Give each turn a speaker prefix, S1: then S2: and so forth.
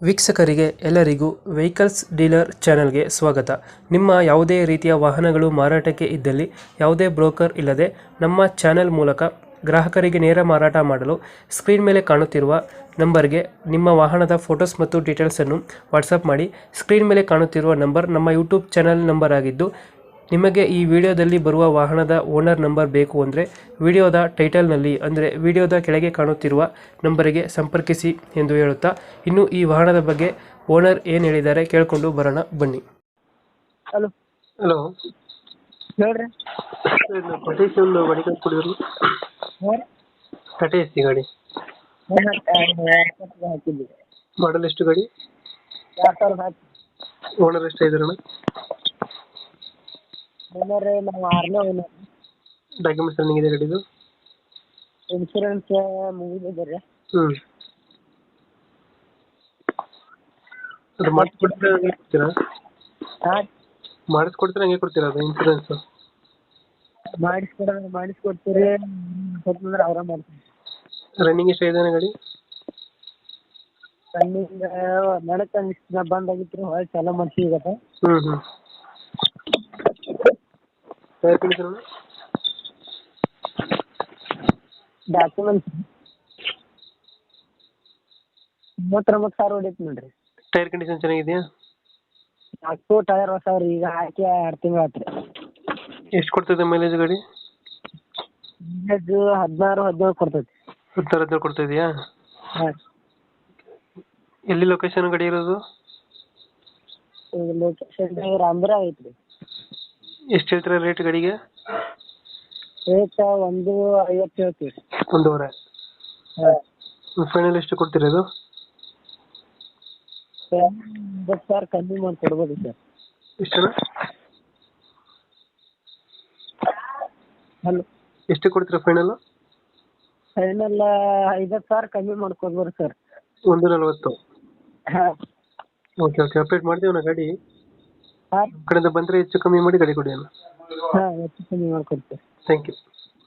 S1: ವೀಕ್ಷಕರಿಗೆ ಎಲ್ಲರಿಗೂ vehicles dealer ಚಾನೆಲ್ಗೆ ಸ್ವಾಗತ. ನಿಮ್ಮ ಯಾವುದೇ ರೀತಿಯ ವಾಹನಗಳು ಮಾರಾಟಕ್ಕೆ ಇದ್ದಲ್ಲಿ ಯಾವುದೇ ಬ್ರೋಕರ್ ಇಲ್ಲದೆ ನಮ್ಮ ಚಾನೆಲ್ ಮೂಲಕ ಗ್ರಾಹಕರಿಗೆ ನೇರ ಮಾರಾಟ ಮಾಡಲು ಸ್ಕ್ರೀನ್ ಮೇಲೆ ಕಾಣುತ್ತಿರುವ ನಂಬರ್ಗೆ ನಿಮ್ಮ ವಾಹನದ ಫೋಟೋಸ್ ಮತ್ತು ಡೀಟೇಲ್ಸನ್ನು ವಾಟ್ಸಪ್ ಮಾಡಿ. ಸ್ಕ್ರೀನ್ ಮೇಲೆ ಕಾಣುತ್ತಿರುವ ನಂಬರ್ ನಮ್ಮ ಯೂಟ್ಯೂಬ್ ಚಾನೆಲ್ ನಂಬರ್ ಆಗಿದ್ದು, ನಿಮಗೆ ಈ ವಿಡಿಯೋದಲ್ಲಿ ಬರುವ ವಾಹನದ ಓನರ್ ನಂಬರ್ ಬೇಕು ಅಂದರೆ ವಿಡಿಯೋದ ಟೈಟಲ್ನಲ್ಲಿ ಅಂದರೆ ವಿಡಿಯೋದ ಕೆಳಗೆ ಕಾಣುತ್ತಿರುವ ನಂಬರಿಗೆ ಸಂಪರ್ಕಿಸಿ ಎಂದು ಹೇಳುತ್ತಾ, ಇನ್ನು ಈ ವಾಹನದ ಬಗ್ಗೆ ಓನರ್ ಏನು ಹೇಳಿದ್ದಾರೆ ಕೇಳಿಕೊಂಡು ಬರೋಣ ಬನ್ನಿ.
S2: ಹಲೋ
S1: ಹಲೋ,
S2: ಹೇಳ್ರಿ.
S1: ಟಾಟಾ ಎಸಿ ಒಂದು ಗಾಡಿ ಕಳ್ಸ್ಕೊಡಿದ್ರು. ಟಾಟಾ ಎಸಿ ಗಾಡಿ
S2: ಹಾಕಿದ್ವಿ.
S1: ಮಾಡಲ್ ಎಷ್ಟು ಗಾಡಿ?
S2: 2000 ಹಾಕಿ.
S1: ಓನರ್ ಎಷ್ಟು ಇದ್ರಣ್ಣ?
S2: ಓನರ್ ನಾವು 6ನೇ ಓನರ್.
S1: ಡಾಕ್ಯುಮೆಂಟ್ಸ್ ರನ್ನಿಂಗ್ ಇದೆ ಗಾಡಿದು?
S2: ಇನ್ಶೂರೆನ್ಸ್ ಮುಗಿದಿದೆ ರೀ.
S1: ಅದು ಮಾಡಿಸ್ಕೊಡ್ತೀರಾ ಹಂಗೆ ಕೊಡ್ತೀರಾ?
S2: ಹಾಂ,
S1: ಮಾಡಿಸ್ಕೊಡ್ತೀರಾ ಹಂಗೆ ಕೊಡ್ತೀರಾ ಅದು ಇನ್ಸೂರೆನ್ಸ್?
S2: ಮಾಡಿಸ್ಕೊಡ್ತೀರಿ ಅಂದ್ರೆ ಅವರ ಮಾಡ್ತೀವಿ.
S1: ರನ್ನಿಂಗ್ ಎಷ್ಟು ಇದೆ ಗಾಡಿ?
S2: ರನ್ನಿಂಗ್ ನಡಕ ಬಂದಾಗಿತ್ತು ರೀ, ಹೊಳ್ಳಿ ಚಾಲೂ ಮಾಡ್ತೀವಿ ಈಗ.
S1: Tyre condition?
S2: ಡಾಕ್ಯುಮೆಂಟ್ಸ್ 39,000 ಹೊಡೈತಿ ನೋಡ್ರಿ.
S1: ಟೈರ್ ಕಂಡೀಷನ್ ಚೆನ್ನಾಗಿದೆಯಾ?
S2: 4 ಟೈರ್ ಹೊಸವ್ರಿ, ಈಗ ಹಾಕಿ 2 ತಿಂಗಳು ಆಯ್ತು ರೀ.
S1: ಎಷ್ಟು ಕೊಡ್ತದೆ ಮೈಲೇಜ್ ಗಾಡಿ?
S2: ಮೈಲೇಜ್ 16-17 ಕೊಡ್ತೈತಿ.
S1: 16-17 ಕೊಡ್ತಾ ಇದೆಯಾ?
S2: ಹಾಂ.
S1: ಎಲ್ಲಿ ಲೊಕೇಶನ್ ಗಾಡಿ ಇರೋದು?
S2: ಈಗ ಲೊಕೇಶನ್ ರಾಮದುರ್ಗ ಐತ್ರಿ.
S1: ಎಷ್ಟು ಹೇಳ್ತೀರಾ ರೇಟ್ ಗಾಡಿಗೆ?
S2: ರೇಟ್ 1.50 ಹೇಳ್ತೀವಿ.
S1: 1.5?
S2: ಹಾಂ.
S1: ಫೈನಲ್ ಎಷ್ಟು ಕೊಡ್ತೀರಾ ಇದು?
S2: 50,000 ಕಮ್ಮಿ ಮಾಡಿ ಕೊಡ್ಬೋದು ಸರ್.
S1: ಎಷ್ಟಣ್ಣ?
S2: ಹಲೋ,
S1: ಎಷ್ಟು ಕೊಡ್ತೀರಾ ಫೈನಲ್?
S2: ಫೈನಲ್ 50,000 ಕಮ್ಮಿ ಮಾಡ್ಕೊಡ್ಬೋದು ಸರ್.
S1: 1.40?
S2: ಹಾಂ.
S1: ಓಕೆ ಓಕೆ, ಅಪ್ಡೇಟ್ ಮಾಡ್ತೀವಿ ನಾ ಗಾಡಿ.
S2: ಹಾಂ
S1: ಕಡೆಯಿಂದ ಬಂದರೆ ಹೆಚ್ಚು ಕಮ್ಮಿ ಮಾಡಿ ಗಾಡಿ ಕೊಡಿ ಅಣ್ಣ.
S2: ಹಾಂ, ಹೆಚ್ಚು ಕಮ್ಮಿ ಮಾಡ್ಕೊಡ್ತೀವಿ.
S1: Thank you.